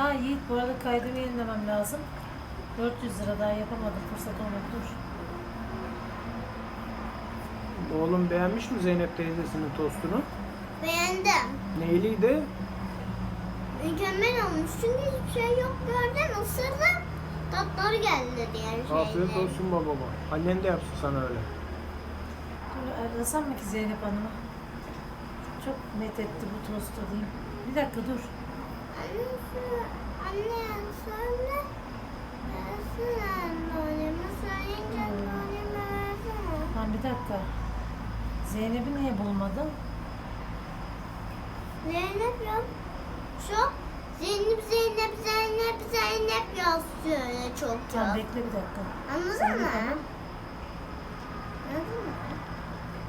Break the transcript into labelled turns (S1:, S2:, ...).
S1: Yiğit, bu arada kaydımı yenilemem lazım. 400 lira daha yapamadım. Fırsat olmadı. Dur.
S2: Oğlum beğenmiş mi Zeynep teyzesinin tostunu?
S3: Beğendim.
S2: Neyliydi?
S3: Mükemmel olmuş. Çünkü hiçbir şey yok gördüm. Isırdım. Tatları geldi diğer şeyler.
S2: Afiyet olsun babama. Annen de yapsın sana öyle.
S1: Dur, arasam mı ki Zeynep Hanım'a? Çok met etti bu tostu diyeyim. Bir dakika dur.
S3: Anne söyle. Versene anneme. Söyleyince anneme versene.
S1: Tamam, bir dakika. Zeynep'i niye bulmadın?
S3: Zeynep yok. Şu Zeynep Zeynep Zeynep Zeynep yazıyor çok
S1: Tamam,
S3: çok.
S1: bekle bir dakika.
S3: Anladın
S1: Zeynep
S3: mı?
S1: Hanım